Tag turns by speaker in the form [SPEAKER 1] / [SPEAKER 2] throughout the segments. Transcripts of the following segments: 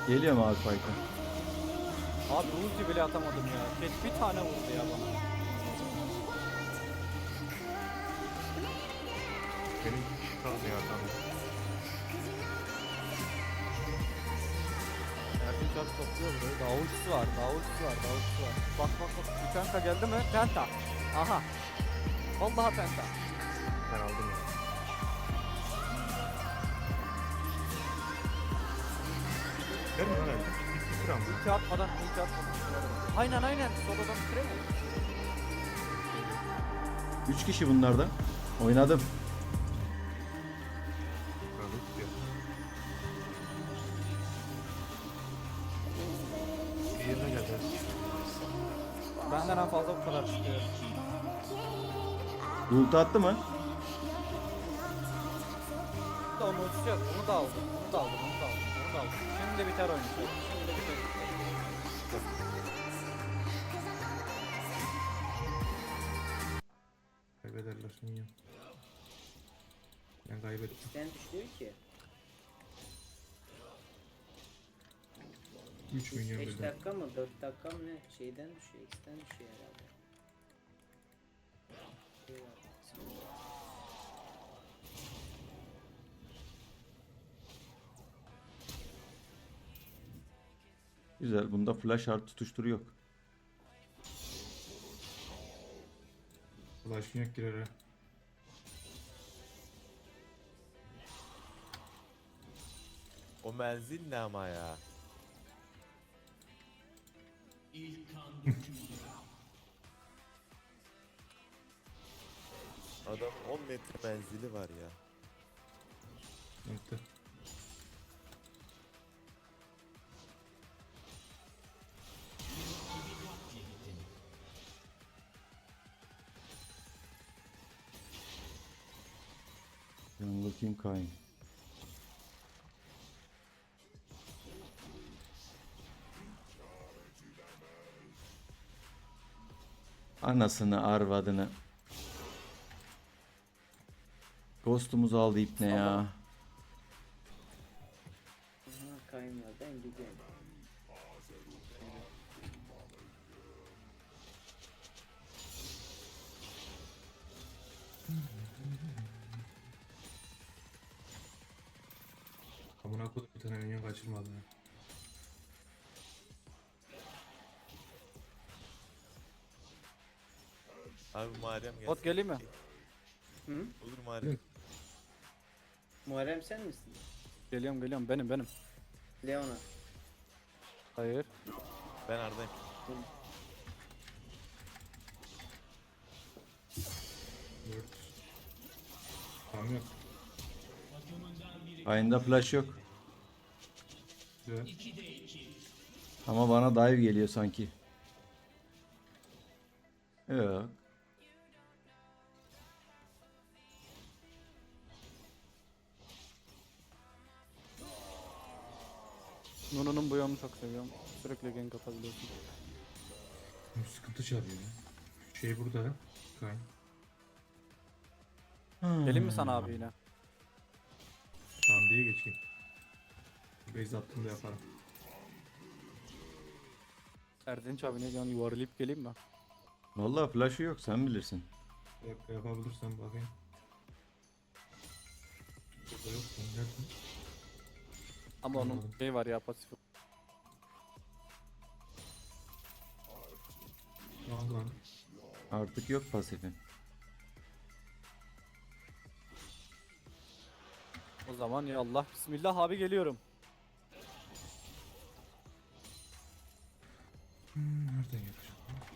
[SPEAKER 1] Geliyor mu abi fight'a?
[SPEAKER 2] Abi ulti bile atamadım ya. Keş bir tane vurdu ya bana.
[SPEAKER 3] Benim bir kişi kaldı ya adam.
[SPEAKER 2] Erdinç abi topluyor burayı. Daha ultisi var. Daha ultisi var. Daha ultisi var. Bak bak bak. Bir penta geldi mi? Penta. Aha. Vallahi penta.
[SPEAKER 3] Ben aldım ya. Gelme lan öyle. Bir kram.
[SPEAKER 2] Ulti atmadan. Ulti atmadan. Aynen aynen. Solodan bitiremiyor.
[SPEAKER 1] 3 kişi bunlarda. Oynadım.
[SPEAKER 3] Böyle tutuyor. Bir yerine geldi.
[SPEAKER 2] Benden en fazla bu kadar çıkıyor.
[SPEAKER 1] Ulti attı mı?
[SPEAKER 2] Da onu uçacağız. Onu da aldım. Onu da aldım. Onu da aldım. Onu da aldım. Şimdi de biter oynayacağız. Şimdi de biter.
[SPEAKER 3] Kaybederler niye? Ben kaybettim.
[SPEAKER 4] Sen düşüyor ki.
[SPEAKER 3] 3 milyon
[SPEAKER 4] 5
[SPEAKER 3] birden.
[SPEAKER 4] dakika mı 4 dakika mı ne şeyden düşüyor, X'ten düşüyor herhalde. Şey var,
[SPEAKER 1] Güzel. Bunda flash art tutuşturu yok.
[SPEAKER 3] Ulaşın yok girer ha.
[SPEAKER 5] O menzil ne ama ya? Adam 10 metre menzili var ya.
[SPEAKER 3] Nokta.
[SPEAKER 1] Ben bakayım Kayn. Anasını arvadını. Ghost'umuzu aldı ipne ya.
[SPEAKER 4] aha kaymıyor, ben gidiyorum.
[SPEAKER 3] Amına koydum bir tane minyon kaçırmadım ya.
[SPEAKER 5] Abi Muharrem gelsin.
[SPEAKER 2] Bot geleyim mi?
[SPEAKER 4] Hı?
[SPEAKER 5] Olur Muharrem.
[SPEAKER 4] Muharrem sen misin?
[SPEAKER 2] Geliyorum geliyorum. Benim.
[SPEAKER 4] Leona.
[SPEAKER 2] Hayır.
[SPEAKER 5] Ben Arda'yım.
[SPEAKER 3] Dört. Tamam yok.
[SPEAKER 1] Kayn'da flash yok.
[SPEAKER 3] Güzel.
[SPEAKER 1] Ama bana dive geliyor sanki. Yok.
[SPEAKER 2] Nunu'nun bu yanını çok seviyorum. Sürekli gank atabiliyorsun.
[SPEAKER 3] Bu sıkıntı çağırıyor ya. Şey burada. Kayn.
[SPEAKER 2] Geleyim mi sana abi yine?
[SPEAKER 3] Tamam diye geçeyim. Base attığımda yaparım.
[SPEAKER 2] Erdinç abi ne diyorsun? Yuvarlayıp geleyim mi?
[SPEAKER 1] Vallahi flash'ı yok, sen bilirsin.
[SPEAKER 3] Bir dakika yapabilirsen bakayım. Burada yok. Sen neredesin?
[SPEAKER 2] Ama onun
[SPEAKER 3] Anladım.
[SPEAKER 2] şey var ya pasif.
[SPEAKER 3] Al lan.
[SPEAKER 1] Artık yok pasifi.
[SPEAKER 2] O zaman ya Allah bismillah abi geliyorum.
[SPEAKER 3] Nereden yapacağım?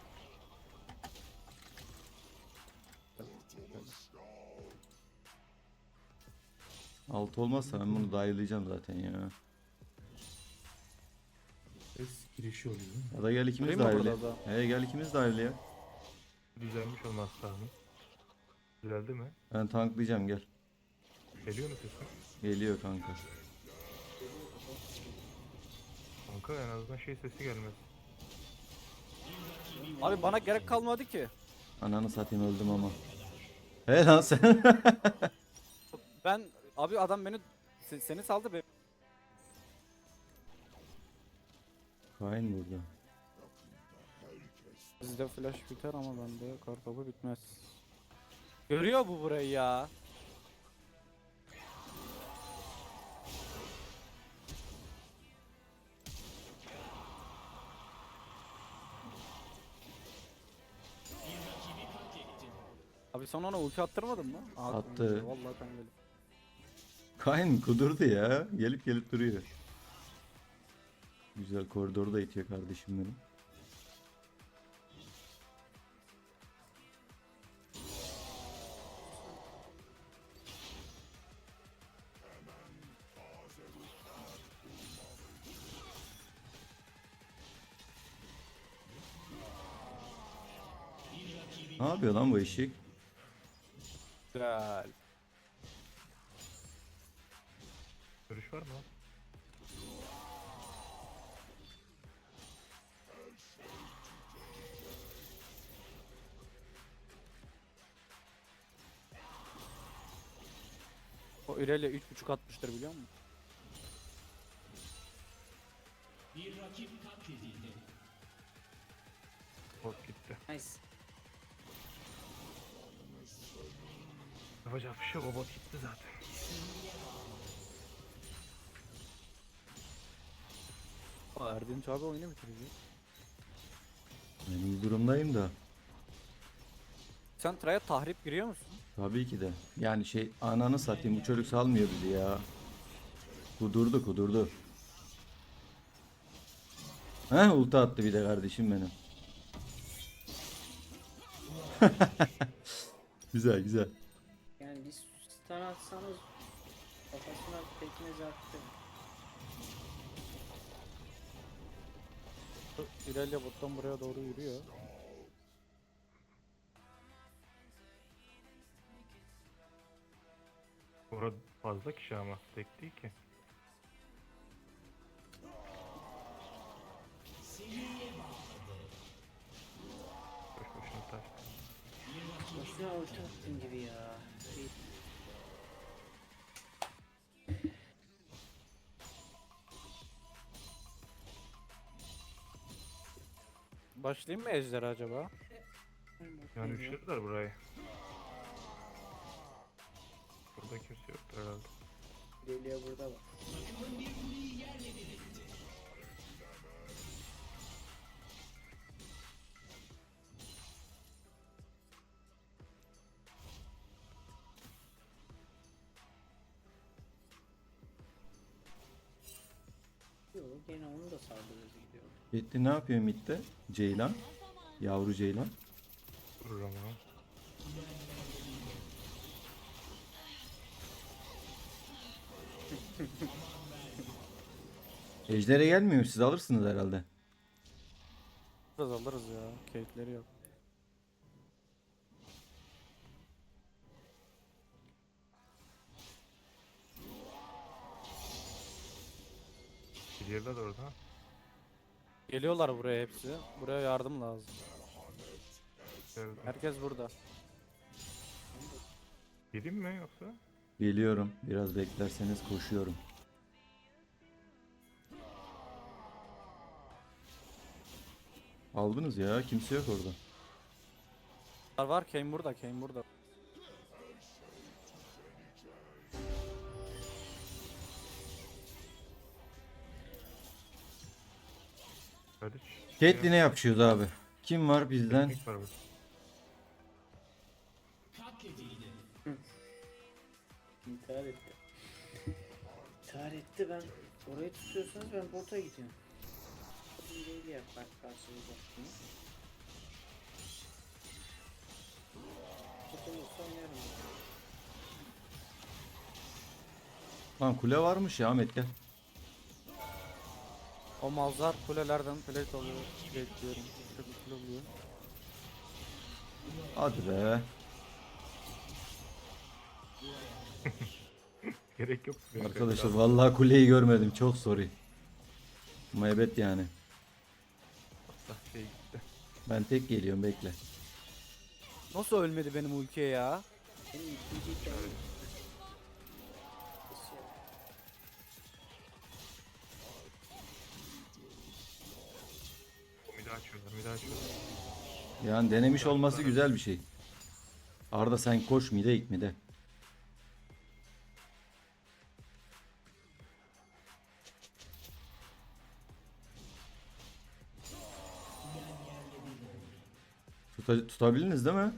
[SPEAKER 1] Altı olmazsa ben bunu dive'layacağım zaten ya.
[SPEAKER 3] Ses girişi oluyor değil mi?
[SPEAKER 1] Ya da gel ikimiz
[SPEAKER 2] Durayım mı
[SPEAKER 1] dive'le.
[SPEAKER 2] burada da?
[SPEAKER 1] He gel ikimiz dive'le ya.
[SPEAKER 3] Düzelmiş olması lazım. Düzeldi mi?
[SPEAKER 1] Ben tanklayacağım, gel.
[SPEAKER 3] Geliyor mu sesin?
[SPEAKER 1] Geliyor kanka.
[SPEAKER 3] Kanka en azından şey sesi gelmez.
[SPEAKER 2] Abi bana gerek kalmadı ki.
[SPEAKER 1] Ananı satayım, öldüm ama. He lan sen.
[SPEAKER 2] Ben abi adam beni seni saldı be.
[SPEAKER 1] Kayn burada.
[SPEAKER 2] Bizde flash biter ama bende kartopu bitmez. Görüyor bu burayı ya. Abi sen ona ulti attırmadın mı?
[SPEAKER 1] Attı.
[SPEAKER 2] Vallahi ben gelip.
[SPEAKER 1] Kayn kudurdu ya. Gelip gelip duruyor. Güzel koridoru da itiyor kardeşim benim. Ne yapıyor lan bu eşek?
[SPEAKER 2] Güzel.
[SPEAKER 3] Görüş var mı?
[SPEAKER 2] O İrelia 3.5 atmıştır biliyor musun?
[SPEAKER 3] Bot gitti.
[SPEAKER 4] Nice.
[SPEAKER 3] Yapacak bir şey yok, o bot gitti zaten.
[SPEAKER 2] Erdinç abi oyunu bitirecek.
[SPEAKER 1] Ben iyi durumdayım da.
[SPEAKER 2] Sen Traya tahrip giriyor musun?
[SPEAKER 1] Tabii ki de. Yani şey ananı satayım bu çocuk salmıyor bizi ya. Kudurdu kudurdu. Heh ulti attı bir de kardeşim benim. Güzel güzel.
[SPEAKER 4] Yani bir stun atsanız kafasına pekmez attı.
[SPEAKER 2] İrelia bottan buraya doğru yürüyor.
[SPEAKER 3] Orada fazla kişi ama tek değil ki. Boş boşuna taş.
[SPEAKER 4] Boşuna ulti attın gibi ya.
[SPEAKER 2] Başlayayım mı Ejder acaba?
[SPEAKER 3] Yani üçlediler burayı. Burada kimse yoktur herhalde.
[SPEAKER 4] Geliyor burada bak. Yok gene onu da saldırırız gidiyor.
[SPEAKER 1] Gitti ne yapıyor midde? Ceylan. Yavru Ceylan.
[SPEAKER 3] Durur ama.
[SPEAKER 1] Ejder'e gelmiyor mu? Siz alırsınız herhalde.
[SPEAKER 2] Biraz alırız ya. Keyifleri yok.
[SPEAKER 3] Gidiyorlar orada.
[SPEAKER 2] Geliyorlar buraya hepsi. Buraya yardım lazım.
[SPEAKER 3] Geldim.
[SPEAKER 2] Herkes burada.
[SPEAKER 3] Geleyim mi yoksa?
[SPEAKER 1] Geliyorum. Biraz beklerseniz koşuyorum. Aldınız ya. Kimse yok orada.
[SPEAKER 2] Var Kane burada, Kane burada.
[SPEAKER 3] Hadi.
[SPEAKER 1] Caitlyn'e yapışıyoruz abi. Kim var bizden?
[SPEAKER 3] Teknik var burada.
[SPEAKER 4] İntihar etti. İntihar etti ben. Orayı tutuyorsanız ben bota gidiyorum. Bir değil ya bak karşımıza. Tutulursa oynarım.
[SPEAKER 1] Lan kule varmış ya Ahmet gel.
[SPEAKER 2] O malzar kulelerden plate alıyor. Bekliyorum. Plate oluyor.
[SPEAKER 1] Hadi be.
[SPEAKER 3] Gerek yok.
[SPEAKER 1] Arkadaşlar vallahi kuleyi görmedim. Çok sorry. Muhabbet yani.
[SPEAKER 3] Şey gitti.
[SPEAKER 1] Ben tek geliyorum bekle.
[SPEAKER 2] Nasıl ölmedi benim ultiye ya?
[SPEAKER 4] Benim ikinci hikayem.
[SPEAKER 3] açıyorlar. Bir daha açıyorlar.
[SPEAKER 1] Yani denemiş olması güzel bir şey. Arda sen koş mide ilk mide. Tutabildiniz değil mi?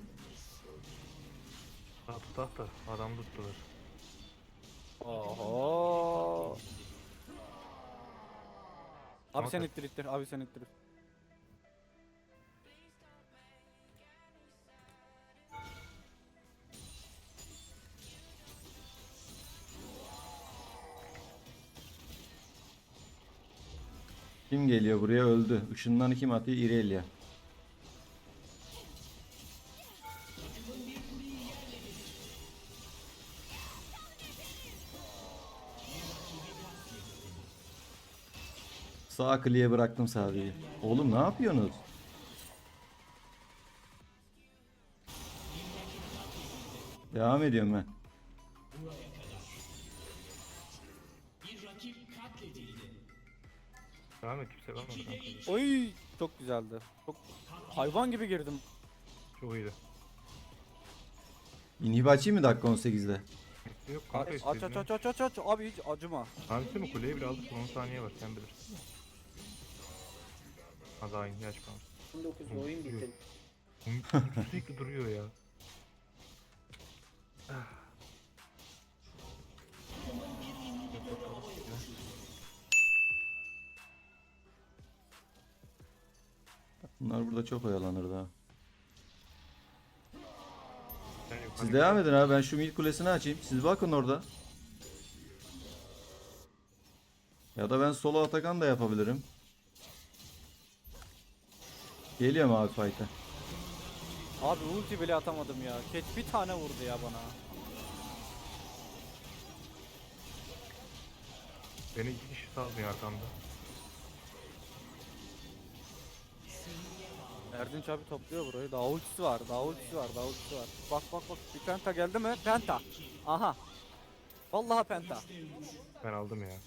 [SPEAKER 3] Daha tutak da adam tuttular.
[SPEAKER 2] Oho. Abi
[SPEAKER 3] Ama
[SPEAKER 2] sen
[SPEAKER 3] tabii.
[SPEAKER 2] ittir ittir. Abi sen ittir.
[SPEAKER 1] Kim geliyor buraya öldü. Işınlanı kim atıyor? Irelia. Sağ kliye bıraktım sadece. Oğlum ne yapıyorsunuz? Devam ediyorum ben.
[SPEAKER 3] Devam et, kimse kalmadı kanka.
[SPEAKER 2] Oy çok güzeldi. Çok hayvan gibi girdim.
[SPEAKER 3] Çok iyiydi.
[SPEAKER 1] İnhib açayım mı dakika 18'de?
[SPEAKER 3] Yok
[SPEAKER 2] Aç
[SPEAKER 3] kanka
[SPEAKER 2] aç
[SPEAKER 3] istediğini.
[SPEAKER 2] aç aç aç aç. Abi hiç acıma.
[SPEAKER 3] Hangisi mi kuleyi bile aldık, 10 saniye var, sen bilirsin. Ha daha iyi açmamış.
[SPEAKER 4] 19'da oyun bitti.
[SPEAKER 3] Sürekli duruyor ya.
[SPEAKER 1] Bunlar burada çok oyalanır daha.
[SPEAKER 3] Sen yukarı
[SPEAKER 1] Siz
[SPEAKER 3] git.
[SPEAKER 1] devam edin abi, ben şu mid kulesini açayım. Siz bakın orada. Ya da ben solo Atakan da yapabilirim. Geliyorum abi fight'a.
[SPEAKER 2] Abi ulti bile atamadım ya. Ket bir tane vurdu ya bana.
[SPEAKER 3] Beni 2 kişi salmıyor arkamda.
[SPEAKER 2] Erdinç abi topluyor burayı. Daha ultisi var. Daha ultisi var. Daha ultisi var. Bak bak bak. Bir penta geldi mi? Penta. Aha. Vallahi penta.
[SPEAKER 3] Ben aldım ya.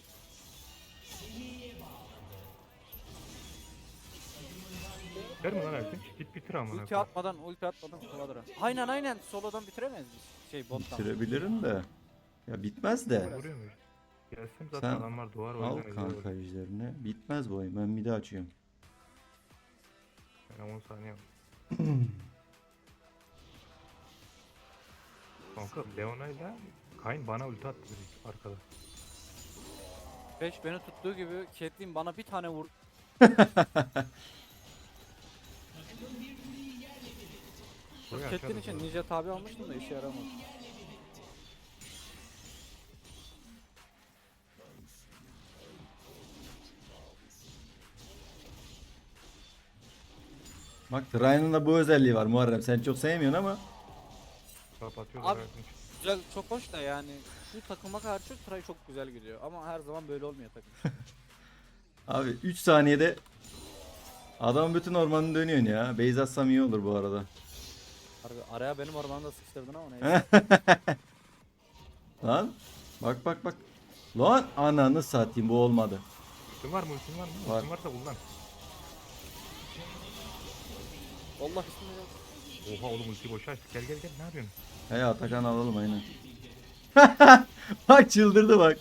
[SPEAKER 3] Ver mi lan Erkin? Git bitir amına.
[SPEAKER 2] Ulti atmadan Soladıra. Aynen aynen. Solodan bitiremez biz. Şey bottan.
[SPEAKER 1] Bitirebilirim de. Ya bitmez de.
[SPEAKER 3] Vuruyor muyuz? Gelsem zaten
[SPEAKER 1] Sen
[SPEAKER 3] adamlar doğar, o
[SPEAKER 1] al
[SPEAKER 3] yüzden
[SPEAKER 1] kanka ejderini. Bitmez bu oyun. Ben midi açıyorum.
[SPEAKER 3] Ben 10 saniye var. Kanka Leona'yla Kayn bana ulti attı direkt arkada.
[SPEAKER 2] 5 beni tuttuğu gibi Caitlyn bana bir tane vur.
[SPEAKER 3] Buraya
[SPEAKER 2] Caitlyn
[SPEAKER 3] açarız
[SPEAKER 2] için
[SPEAKER 3] ya.
[SPEAKER 2] ninja tabi almıştım da işe yaramadı.
[SPEAKER 1] Bak Ryan'ın da bu özelliği var Muharrem. Sen çok sevmiyorsun ama.
[SPEAKER 3] Kapatıyorlar
[SPEAKER 2] Abi-
[SPEAKER 3] Erkin.
[SPEAKER 2] Güzel çok hoş da yani şu takıma karşı Tray çok güzel gidiyor ama her zaman böyle olmuyor takım.
[SPEAKER 1] Abi 3 saniyede adam bütün ormanını dönüyorsun ya. Base atsam iyi olur bu arada.
[SPEAKER 2] Harbi araya benim ormanı sıkıştırdın ama neyse.
[SPEAKER 1] Lan. Bak bak bak. Lan ananı satayım, bu olmadı.
[SPEAKER 3] Ultin var mı? Ultin var mı?
[SPEAKER 1] Var.
[SPEAKER 3] Ultin varsa kullan.
[SPEAKER 2] Allah ismini
[SPEAKER 3] Oha oğlum ultiyi boşa açtık. Gel gel gel, ne yapıyorsun?
[SPEAKER 1] He Atakan alalım aynen. Bak çıldırdı bak.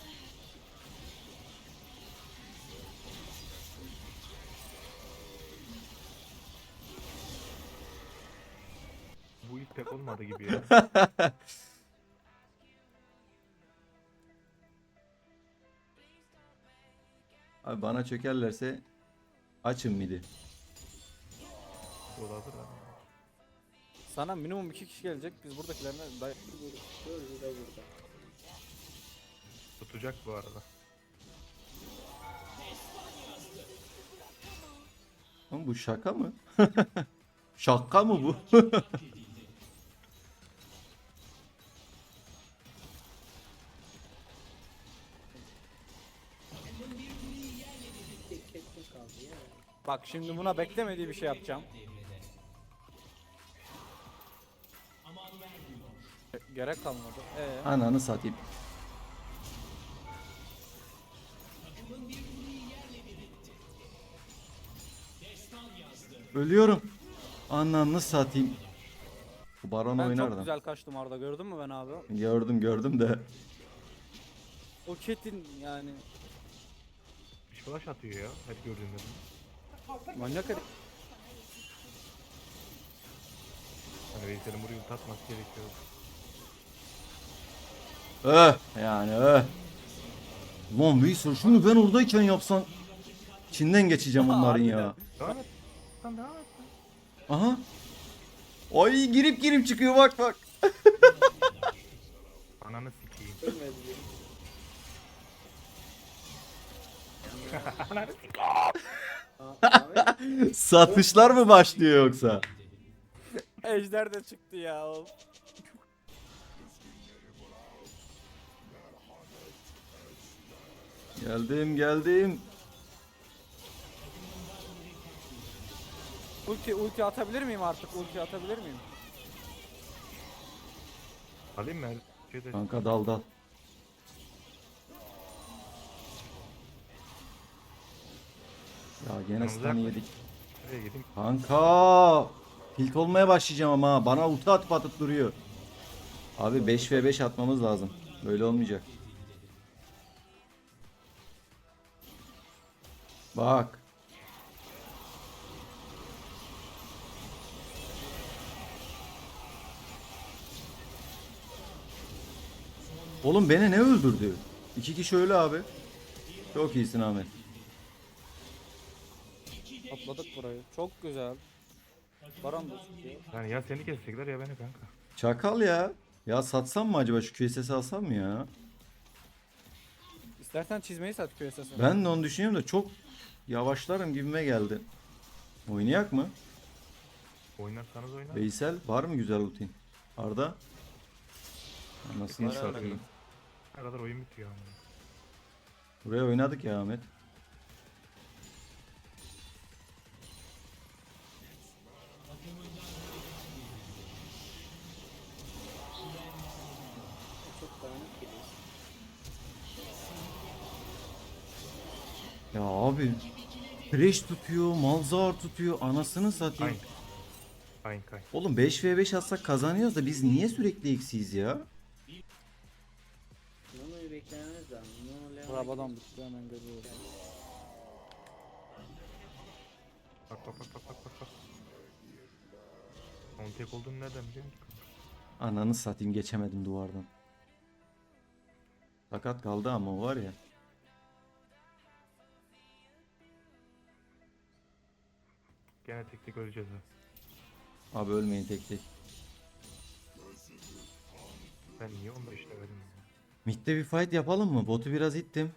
[SPEAKER 3] Bu ilk pek olmadı gibi ya.
[SPEAKER 1] Abi bana çökerlerse açın midi.
[SPEAKER 3] O da hazır abi.
[SPEAKER 2] Sana minimum 2 kişi gelecek biz buradakilerine
[SPEAKER 4] Şöyle de burada.
[SPEAKER 3] Tutacak bu arada.
[SPEAKER 1] Oğlum bu şaka mı? Şaka mı bu?
[SPEAKER 4] Tek Caitlyn kaldı ya.
[SPEAKER 2] Bak şimdi buna beklemediği bir şey yapacağım. Gerek kalmadı.
[SPEAKER 1] Ananı satayım. Ölüyorum. Ananı satayım. Bu Baron
[SPEAKER 2] Ben
[SPEAKER 1] oynar
[SPEAKER 2] çok
[SPEAKER 1] da.
[SPEAKER 2] güzel kaçtım Arda, gördün mü ben abi?
[SPEAKER 1] Gördüm de.
[SPEAKER 2] O Ketin yani
[SPEAKER 3] Bir flash atıyor ya. Hep gördüğümde.
[SPEAKER 2] manyak herif.
[SPEAKER 3] Hani Veysel'in burayı tatması gerekiyor.
[SPEAKER 1] Yani. Lan Veysel şunu ben oradayken yapsan Çin'den geçeceğim onların ya.
[SPEAKER 3] Devam et. Lan devam et.
[SPEAKER 1] Aha. Ay girip çıkıyor bak.
[SPEAKER 3] Ananı sikeyim.
[SPEAKER 4] Ölmedi benim. Ahmet.
[SPEAKER 1] Satışlar mı başlıyor yoksa?
[SPEAKER 2] Ejder de çıktı ya oğlum.
[SPEAKER 1] Geldim.
[SPEAKER 2] Ulti atabilir miyim artık? Ulti atabilir miyim?
[SPEAKER 3] Alayım mı? Şeyde
[SPEAKER 1] Kanka dal. Ya gene
[SPEAKER 3] Yanımıza
[SPEAKER 1] stun'ı
[SPEAKER 3] yaklaş.
[SPEAKER 1] yedik.
[SPEAKER 3] nereye gideyim?
[SPEAKER 1] Kanka. Tilt olmaya başlayacağım ama ha. Bana ulti atıp duruyor. Abi 5v5 atmamız lazım. Böyle olmayacak. Bak. Oğlum beni ne öldürdü? 2 kişi öyle abi. Çok iyisin Ahmet.
[SPEAKER 2] Atladık burayı. Çok güzel. Baran da çıkıyor.
[SPEAKER 3] Yani ya seni kesecekler ya beni kanka.
[SPEAKER 1] Çakal ya. Ya satsam mı acaba şu QSS'i alsam mı ya?
[SPEAKER 2] İstersen çizmeyi sat QSS'e.
[SPEAKER 1] Ben de onu düşünüyorum da çok yavaşlarım gibime geldi. Oynayak mı?
[SPEAKER 3] Oynarsanız oynar.
[SPEAKER 1] Veysel var mı güzel ultin? Arda? Anasını
[SPEAKER 5] Var abi.
[SPEAKER 1] satayım.
[SPEAKER 3] Ne kadar oyun bitiyor ama.
[SPEAKER 1] Buraya oynadık ya Ahmet.
[SPEAKER 4] Çok dağınık geliyor.
[SPEAKER 1] Ya abi Thresh tutuyor, Malzahar tutuyor, anasını satayım.
[SPEAKER 3] Kayn.
[SPEAKER 1] Oğlum 5v5 atsak kazanıyoruz da biz niye sürekli eksiyiz ya?
[SPEAKER 4] Nono'yu beklememiz lazım. Nono Leon'a
[SPEAKER 2] Rabadan
[SPEAKER 4] gidiyor.
[SPEAKER 2] bitti hemen görüyoruz.
[SPEAKER 3] Bak. Onun tek olduğunu nereden biliyorsun ki?
[SPEAKER 1] Ananı satayım geçemedim duvardan. Sakat kaldı ama o var ya.
[SPEAKER 3] Gene tek öleceğiz ha.
[SPEAKER 1] Abi ölmeyin tek.
[SPEAKER 3] Ben niye 15 levelim ya?
[SPEAKER 1] Mid'de bir fight yapalım mı? Botu biraz ittim.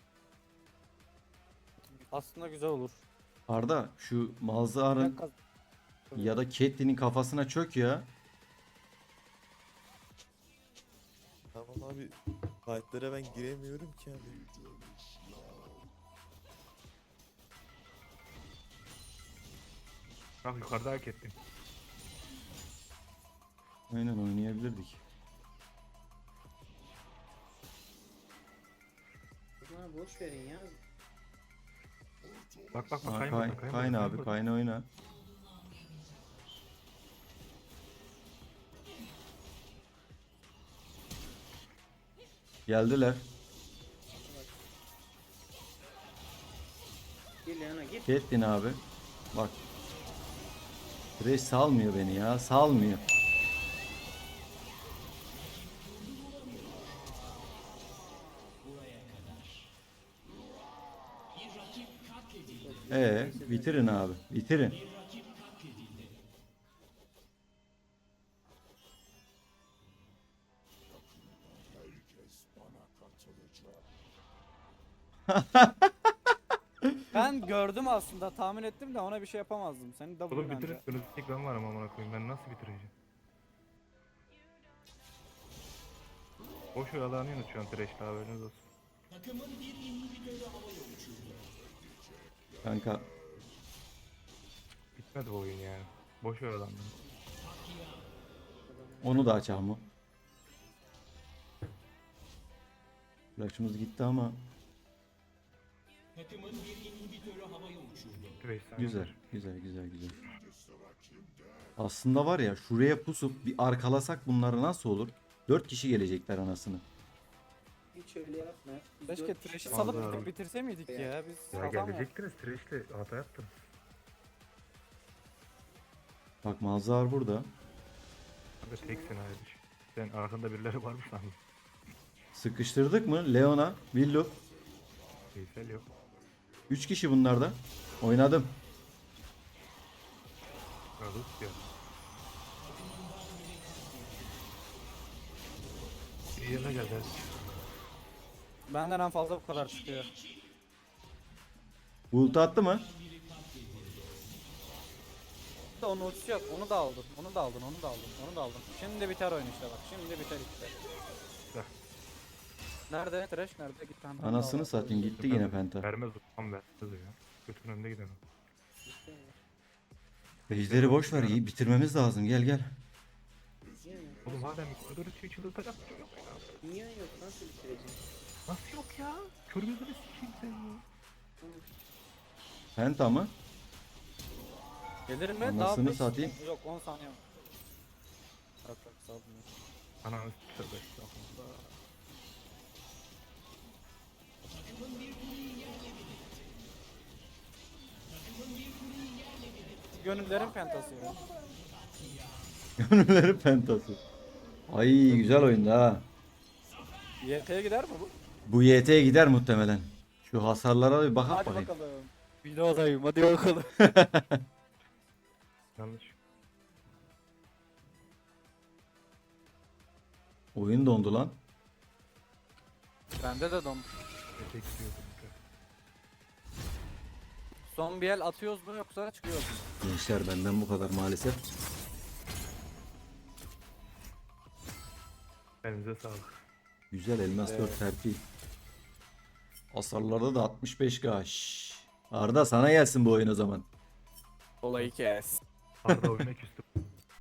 [SPEAKER 2] Aslında güzel olur.
[SPEAKER 1] Arda şu Malzahar'ın
[SPEAKER 2] Ben kaz-
[SPEAKER 1] ya da Caitlyn'in kafasına çök ya.
[SPEAKER 5] Tamam abi. Fight'lara ben giremiyorum ki abi.
[SPEAKER 3] Bak yukarıda hak ettim.
[SPEAKER 1] Aynen oynayabilirdik.
[SPEAKER 4] Bana boş verin ya.
[SPEAKER 3] Bak
[SPEAKER 1] Ha,
[SPEAKER 3] Kayn
[SPEAKER 1] Kayn,
[SPEAKER 3] burada,
[SPEAKER 1] Kayn abi,
[SPEAKER 3] burada.
[SPEAKER 1] Kayn oyna. Geldiler.
[SPEAKER 4] Gir Leon'a gir.
[SPEAKER 1] Caitlyn abi. Bak. Thresh salmıyor beni ya, salmıyor. Bitirin abi, bitirin.
[SPEAKER 2] Ben gördüm aslında, tahmin ettim de ona bir şey yapamazdım. Senin
[SPEAKER 3] Oğlum
[SPEAKER 2] W'den
[SPEAKER 3] bitirir.
[SPEAKER 2] de.
[SPEAKER 3] Önümüzde tek ben varım amına koyayım. Ben nasıl bitireceğim? Boş oyalanıyorsunuz şu an Thresh'le haberiniz olsun.
[SPEAKER 1] Kanka
[SPEAKER 3] Bitmedi bu oyun yani. Boş oyalandım.
[SPEAKER 1] onu da açalım mı? Flash'ımız gitti ama.
[SPEAKER 3] Veysel.
[SPEAKER 1] Güzel, güzel, güzel, güzel. Aslında var ya şuraya pusup bir arkalasak bunları nasıl olur? 4 kişi gelecekler anasını.
[SPEAKER 4] Hiç öyle yapma. Biz
[SPEAKER 2] Keşke
[SPEAKER 4] dört
[SPEAKER 2] Thresh'i
[SPEAKER 4] kişi-
[SPEAKER 2] salıp
[SPEAKER 3] Vallahi.
[SPEAKER 2] bitirse miydik ya? Biz
[SPEAKER 3] Ya
[SPEAKER 2] adam
[SPEAKER 3] gelecektiniz Thresh'le hata yaptım.
[SPEAKER 1] Bak Mazhar burada.
[SPEAKER 3] Abi teksin abi. Sen arkanda birileri var mı sandın?
[SPEAKER 1] Sıkıştırdık mı? Leona, Willow.
[SPEAKER 3] Veysel yok.
[SPEAKER 1] 3 kişi bunlarda. Oynadım.
[SPEAKER 3] Rus ya. İyi yana gel hadi.
[SPEAKER 2] benden en fazla bu kadar çıkıyor.
[SPEAKER 1] Ult attı mı?
[SPEAKER 2] Onun ultisi yok. Onu da aldın. Onu da aldın. Onu da aldın. Onu da aldın. Şimdi biter oyun işte bak. Şimdi biter işte.
[SPEAKER 3] Bak.
[SPEAKER 2] Nerede? Thresh nerede? Git ben.
[SPEAKER 1] Anasını satayım gitti yine penta.
[SPEAKER 3] Vermez ulan vermez ya. Götünün önünde gidemem.
[SPEAKER 1] Ejder'i boş ver iyi bitirmemiz lazım gel gel.
[SPEAKER 4] Niye mi?
[SPEAKER 3] Oğlum madem koridor için çıldırtacak.
[SPEAKER 4] Niye yok? Nasıl bitireceksin?
[SPEAKER 3] Nasıl yok ya? Kör gözünü sikeyim sen ya.
[SPEAKER 1] Penta mı?
[SPEAKER 2] Gelir mi?
[SPEAKER 1] Anasını
[SPEAKER 2] Daha beş-
[SPEAKER 1] satayım.
[SPEAKER 2] Yok 10 saniye var. Yok yok sağ olun.
[SPEAKER 3] Ananı tövbe estağfurullah.
[SPEAKER 2] Gönüllerin pentası ya.
[SPEAKER 1] Gönülleri pentası. Ay güzel oyundu ha.
[SPEAKER 2] YT'ye gider mi bu?
[SPEAKER 1] Bu YT'ye gider muhtemelen. Şu hasarlara bir bakak
[SPEAKER 2] Hadi
[SPEAKER 1] bakayım.
[SPEAKER 2] bakalım. Videodayım hadi bakalım.
[SPEAKER 3] Yanlış.
[SPEAKER 1] Oyun dondu lan.
[SPEAKER 2] Bende de don.
[SPEAKER 3] Etek diyordum.
[SPEAKER 2] Son bir el atıyoruz mu yoksa çıkıyoruz mu?
[SPEAKER 1] Gençler benden bu kadar maalesef.
[SPEAKER 3] Elinize sağlık.
[SPEAKER 1] Güzel elmas 4 terfi. Hasarlarda da 65k. Şşş. Arda sana gelsin bu oyun o zaman.
[SPEAKER 2] Olayı kes.
[SPEAKER 3] Arda oyuna küstüm.